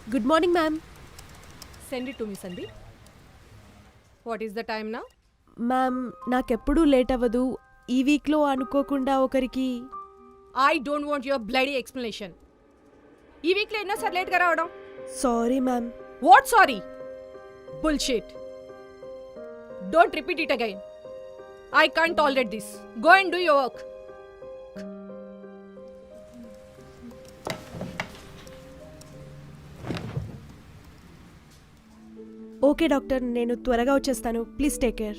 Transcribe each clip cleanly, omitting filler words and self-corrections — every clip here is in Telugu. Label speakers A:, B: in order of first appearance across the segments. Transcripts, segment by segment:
A: Good morning ma'am.
B: Send it to me, Sandeep. What is the time now?
A: Ma'am నాకెప్పుడూ లేట్ అవ్వదు. ఈ వీక్లో అనుకోకుండా ఒకరికి
B: I don't want your bloody explanation. ఈ వీక్లో ఎన్నోసార్లు లేట్గా రావడం?
A: Sorry ma'am.
B: What sorry? Bullshit. Don't repeat it again. I can't tolerate this. Go and do your work.
A: Okay doctor, నేను త్వరగా వచ్చేస్తాను. Please take care.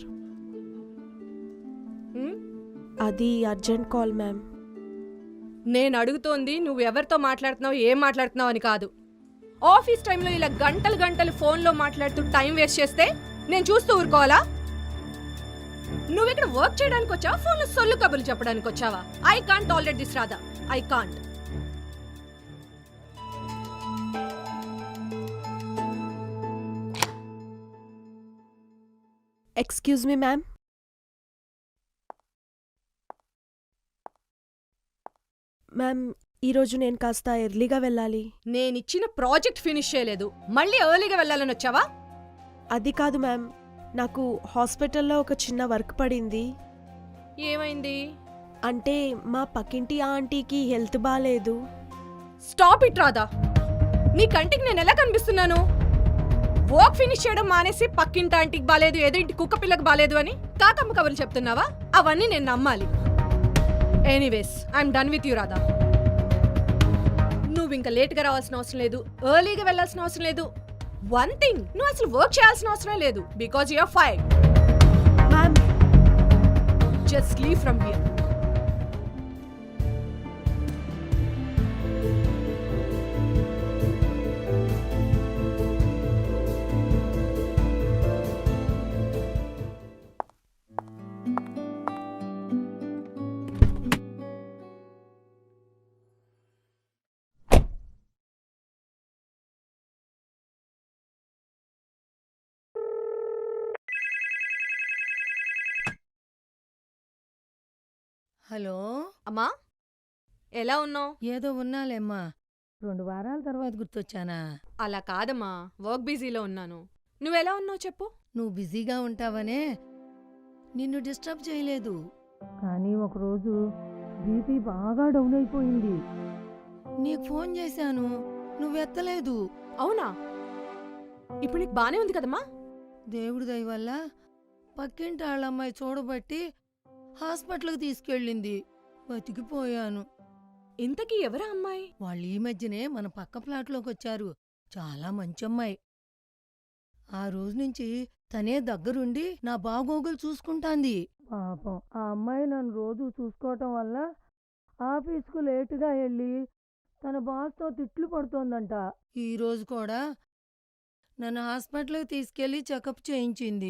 B: Hmm?
A: అది అర్జెంట్ కాల్ మ్యామ్.
B: నేను అడుగుతోంది నువ్వు ఎవరితో మాట్లాడుతున్నావు, ఏం మాట్లాడుతున్నావు అని కాదు. ఆఫీస్ టైంలో ఇలా గంటలు గంటలు ఫోన్లో మాట్లాడుతూ టైం వేస్ట్ చేస్తే నేను చూస్తూ ఊరుకోవాలా? నువ్వు ఇక్కడ వర్క్ చేయడానికి వచ్చావా, ఫోన్లో సొల్లు కబుర్లు చెప్పడానికి వచ్చావా? I can't tolerate this Radha. I can't.
A: Excuse me ma'am. Ma'am ఈరోజు నేను కాస్త ఎర్లీగా వెళ్ళాలి.
B: నేనిచ్చిన ప్రాజెక్ట్ ఫినిష్ చేయలేదు, మళ్ళీ ఎర్లీగా వెళ్ళాలని వచ్చావా?
A: అది కాదు మ్యామ్, నాకు హాస్పిటల్లో ఒక చిన్న వర్క్ పడింది.
B: ఏమైంది?
A: అంటే మా పక్కింటి ఆంటీకి హెల్త్ బాగాలేదు.
B: Stop it Radha. నీ కంటికి నేను ఎలా కనిపిస్తున్నాను? వర్క్ ఫినిష్ చేయడం మానేసి పక్కింటి ఆంటీకి బాలేదు, ఏదో ఇంటి కుక్క పిల్లకి బాలేదు అని కాకమ్మ కబుర్లు చెప్తున్నావా? అవన్నీ నేను నమ్మాలి. Anyways I'm done with you Radha. నువ్వు ఇంకా లేట్గా రావాల్సిన అవసరం లేదు, ఎర్లీగా వెళ్ళాల్సిన అవసరం లేదు. వన్ థింగ్, నువ్వు అసలు వర్క్ చేయాల్సిన అవసరం లేదు, because you're fired.
A: Ma'am
B: just leave from here.
C: Hello
B: అమ్మా, ఎలా ఉన్నావు?
C: ఏదో ఉన్నాలేమ్మా. 2 వారాల తర్వాత గుర్తొచ్చానా?
B: అలా కాదమ్మా, వర్క్ బిజీలో ఉన్నాను. నువ్వెలా ఉన్నావు చెప్పు.
C: నువ్వు బిజీగా ఉంటావనే నిన్ను డిస్టర్బ్ చేయలేదు. కానీ ఒకరోజు బీపీ బాగా డౌన్ అయిపోయింది. నీకు ఫోన్ చేశాను, నువ్వెత్తలేదు.
B: అవునా? ఇప్పుడు నీకు బానే ఉంది కదమ్మా?
C: దేవుడి దయ వల్ల పక్కింటి వాళ్ళమ్మాయి చూడబట్టి హాస్పిటల్కి తీసుకెళ్ళింది. బతికిపోయాను.
B: ఇంతకీ ఎవరా అమ్మాయి?
C: వాళ్ళు ఈ మధ్యనే మన పక్క ప్లాట్లోకి వచ్చారు. చాలా మంచి అమ్మాయి. ఆ రోజు నుంచి తనే దగ్గరుండి నా బాగోగులు చూసుకుంటాంది. పాపం ఆ అమ్మాయి నన్ను రోజు చూసుకోవటం వల్ల ఆఫీస్కు లేటుగా వెళ్ళి తన బాస్తో తిట్లు పడుతోందంట. ఈరోజు కూడా నన్ను హాస్పిటల్కి తీసుకెళ్లి చెకప్ చేయించింది.